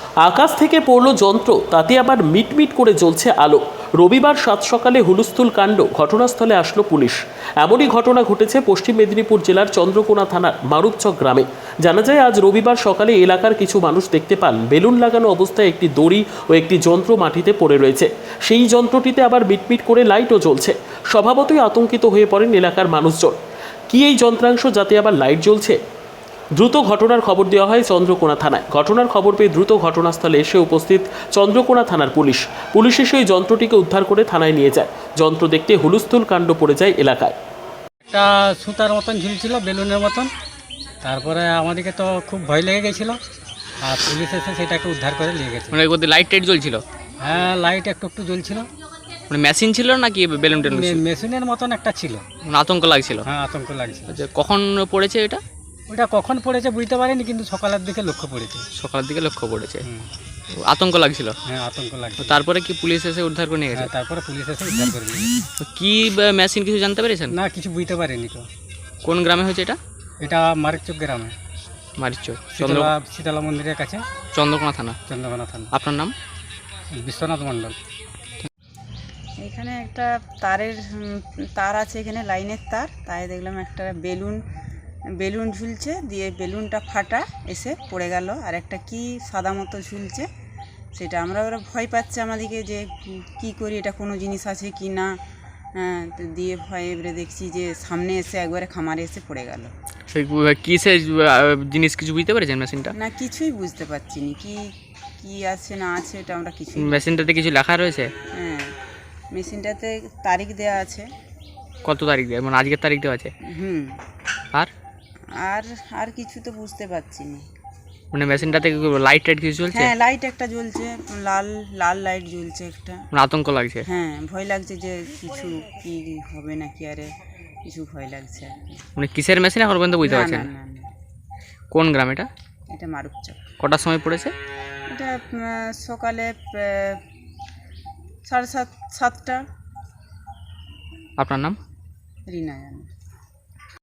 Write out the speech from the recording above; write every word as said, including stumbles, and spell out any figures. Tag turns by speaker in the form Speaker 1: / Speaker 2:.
Speaker 1: আকাশ থেকে পড়ল যন্ত্র, তাতে আবার মিটমিট করে জ্বলছে আলো। রবিবার সাত সকালে হুলস্থুল কাণ্ড, ঘটনাস্থলে আসলো পুলিশ। এমনই ঘটনা ঘটেছে পশ্চিম মেদিনীপুর জেলার চন্দ্রকোনা থানার মারুপচক গ্রামে। জানা যায়, আজ রবিবার সকালে এলাকার কিছু মানুষ দেখতে পান বেলুন লাগানো অবস্থায় একটি দড়ি ও একটি যন্ত্র মাটিতে পড়ে রয়েছে। সেই যন্ত্রটিতে আবার মিটমিট করে লাইটও জ্বলছে। স্বভাবতই আতঙ্কিত হয়ে পড়েন এলাকার মানুষজন। কি এই যন্ত্রাংশ, যাতে আবার লাইট জ্বলছে? দ্রুত ঘটনার খবর দেওয়া হয় চন্দ্রকোনা থানায়। ঘটনার খবর পেয়ে দ্রুত ঘটনাস্থলে এসে উপস্থিত চন্দ্রকোনা থানার পুলিশ। পুলিশ এসে ওই যন্ত্রটিকে উদ্ধার করে থানায় নিয়ে যায়। যন্ত্র দেখতে হুলস্থুল কাণ্ড পড়ে যায় এলাকায়।
Speaker 2: একটা সুতার মতন ঝুলছিল, বেলুনের মতন। তারপরে আমাদেরকে তো খুব ভয় লেগে গেছিলো, আর পুলিশ এসে সেটাকে উদ্ধার করে নিয়ে গেছে।
Speaker 3: মানে ওদের লাইট টাইট জ্বলছিল?
Speaker 2: হ্যাঁ, লাইট একটু একটু জ্বলছিল।
Speaker 3: মানে মেশিন ছিল নাকি বেলুন টেলুন?
Speaker 2: মে- মেশিনের মতন একটা ছিল।
Speaker 3: মানে আতঙ্ক লাগছিল?
Speaker 2: হ্যাঁ, আতঙ্ক লাগছিল।
Speaker 3: আচ্ছা, কখন পড়েছে এটা?
Speaker 2: ওটা কখন পড়েছে বুঝতে পারিনি, কিন্তু সকালের দিকে লক্ষ্য পড়েছে।
Speaker 3: সকালের দিকে লক্ষ্য পড়েছে।
Speaker 2: হুম।
Speaker 3: আতঙ্ক লাগছিল?
Speaker 2: হ্যাঁ, আতঙ্ক লাগছিল।
Speaker 3: তারপরে কি পুলিশ এসে উদ্ধার করে নিয়ে গেছে?
Speaker 2: হ্যাঁ, তারপরে পুলিশ এসে উদ্ধার করে নিয়ে গেছে।
Speaker 3: তো কি মেশিন কিছু জানতে পেরেছেন?
Speaker 2: না, কিছু বুঝতে পারিনি তো।
Speaker 3: কোন গ্রামে হয়েছে এটা?
Speaker 2: এটা মারিকচক গ্রামে,
Speaker 3: মারিচক, চন্দ্র
Speaker 2: শীতলা শীতলা মন্দিরের কাছে,
Speaker 3: চন্দ্রকোনা থানা।
Speaker 2: চন্দ্রকোনা থানা।
Speaker 3: আপনার নাম?
Speaker 2: বিশ্বনাথ মণ্ডল।
Speaker 4: এখানে একটা তারের উম, তার আছে, এখানে লাইনের তার। তাই দেখলাম একটা বেলুন বেলুন ঝুলছে, দিয়ে বেলুনটা ফাটা এসে পড়ে গেল। আর একটা কি সাদা মতো ঝুলছে, সেটা আমরা ওরা ভয় পাচ্ছে আমাদেরকে যে উম, কি করি, এটা কোনো জিনিস আছে কি না। হ্যাঁ, তো দিয়ে ভয় এবারে দেখছি যে সামনে এসে একবারে খামারে এসে পড়ে গেল।
Speaker 3: সেই কিসের জিনিস কিছু বুঝতে পেরেছেন মেশিনটা?
Speaker 4: না, কিছুই বুঝতে পারছি না কি কি আছে না আছে, এটা আমরা কিছুই।
Speaker 3: মেশিনটাতে কিছু লেখা রয়েছে?
Speaker 4: হ্যাঁ, মেশিনটাতে তারিখ দেওয়া আছে।
Speaker 3: কত তারিখ দেওয়া, মানে আজকের তারিখ দেওয়া আছে?
Speaker 4: হুম।
Speaker 3: আর
Speaker 4: আর আর কিছু তো বুঝতে পারছি না।
Speaker 3: মানে মেশিনটাতে লাইট টাইট কিছু চলছে?
Speaker 4: হ্যাঁ, লাইট একটা জ্বলছে, লাল লাল লাইট জ্বলছে একটা।
Speaker 3: মানে আতঙ্ক লাগছে?
Speaker 4: হ্যাঁ, ভয় লাগছে যে কিছু কি হবে নাকি, আরে কিছু ভয় লাগছে আর কি।
Speaker 3: মানে কিসের মেশিন এখন পর্যন্ত বুঝতে
Speaker 4: না,
Speaker 3: পারছেন?
Speaker 4: না, না, না,
Speaker 3: কোন গ্রাম এটা?
Speaker 4: এটা মারুপচক।
Speaker 3: কটার সময় পড়েছে?
Speaker 4: এটা উম, সকালে আহ, সাড়ে সাত সাতটা।
Speaker 3: আপনার নাম?
Speaker 4: রিনা জানে।